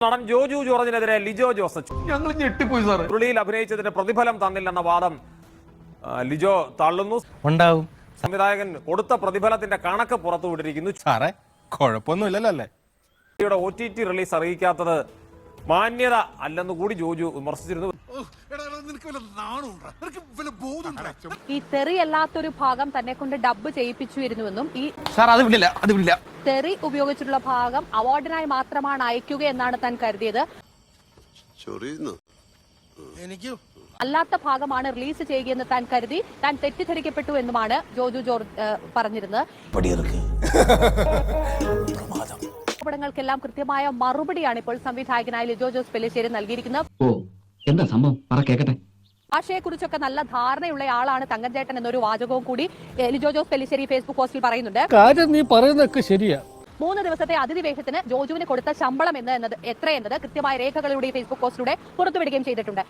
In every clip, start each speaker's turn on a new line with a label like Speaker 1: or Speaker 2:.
Speaker 1: നടൻ ജോജു ജോർജിനെതിരെ ലിജോ ജോസ്
Speaker 2: ഞങ്ങൾ ഞെട്ടിപ്പോയി സാർ.
Speaker 1: ചുരുളിയിൽ അഭിനയിച്ചതിന്റെ പ്രതിഫലം തന്നില്ലെന്ന വാദം ലിജോ തള്ളുന്നു.
Speaker 3: ഉണ്ടാവും.
Speaker 1: സംവിധായകൻ കൊടുത്ത പ്രതിഫലത്തിന്റെ കണക്ക് പുറത്തുവിട്ടിരിക്കുന്നു.
Speaker 3: സാറേ കുഴപ്പമൊന്നുമില്ലല്ലോ അല്ലേ?
Speaker 1: OTT റിലീസ് അറിയിക്കാത്തത് മാന്യത അല്ലെന്ന് കൂടി ജോജു വിമർശിച്ചിരുന്നു.
Speaker 4: ഈ തെറി അല്ലാത്തൊരു ഭാഗം തന്നെ കൊണ്ട് ഡബ് ചെയ്യിപ്പിച്ചിരുന്നുവെന്നും ഈ തെറി ഉപയോഗിച്ചിട്ടുള്ള ഭാഗം അവാർഡിനായി മാത്രമാണ് അയക്കുക എന്നാണ് താൻ കരുതിയത്. അല്ലാത്ത ഭാഗമാണ് റിലീസ് ചെയ്യുകയെന്ന് താൻ കരുതി താൻ തെറ്റിദ്ധരിക്കപ്പെട്ടു എന്നുമാണ് ജോജു ജോർജ് പറഞ്ഞിരുന്നത്. ആരോപണങ്ങൾക്കെല്ലാം കൃത്യമായ മറുപടിയാണ് ഇപ്പോൾ സംവിധായകനായ ലിജോ ജോസ് പെല്ലിശ്ശേരി നൽകിയിരിക്കുന്നത്.
Speaker 5: എന്താ സംഭവം കേക്കട്ടെ.
Speaker 4: ഭാഷയെക്കുറിച്ചൊക്കെ നല്ല ധാരണയുള്ള ആളാണ് തങ്കഞ്ചേട്ടൻ എന്നൊരു വാചകവും കൂടി ലിജോ ജോസ് പെല്ലിശ്ശേരി ഫേസ്ബുക്ക് പോസ്റ്റിൽ പറയുന്നുണ്ട്.
Speaker 6: കാര്യം നീ പറയുന്നതൊക്കെ ശരിയാ.
Speaker 4: 3 ദിവസത്തെ അതിഥിവേഷത്തിന് ജോജുവിന് കൊടുത്ത ശമ്പളം എന്നത് എത്രയെന്നത് കൃത്യമായ രേഖകളുടെ ഫേസ്ബുക്ക് പോസ്റ്റിലൂടെ പുറത്തുവിടുകയും ചെയ്തിട്ടുണ്ട്.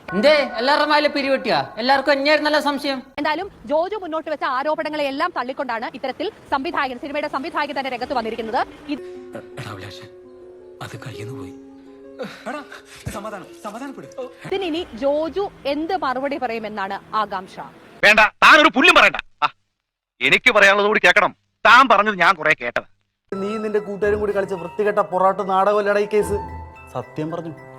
Speaker 4: എന്തായാലും ജോജു മുന്നോട്ട് വെച്ച ആരോപണങ്ങളെ എല്ലാം തള്ളിക്കൊണ്ടാണ് ഇത്തരത്തിൽ സിനിമയുടെ സംവിധായകൻ തന്നെ രംഗത്ത് വന്നിരിക്കുന്നത്. ഇതിനി ജോജു എന്ത് മറുപടി പറയുമെന്നാണ് ആകാംക്ഷ.
Speaker 7: വേണ്ട, താൻ ഒരു പുല്ലും പറയണ്ട. എനിക്ക് പറയാനുള്ളത് കൂടി കേൾക്കണം. താൻ പറഞ്ഞത് ഞാൻ കുറെ കേട്ടത്.
Speaker 2: നീ നിന്റെ കൂട്ടുകാരും കൂടി കളിച്ച വൃത്തികെട്ട പൊറാട്ട് നാടകമല്ലടാ ഈ കേസ്. സത്യം പറഞ്ഞു.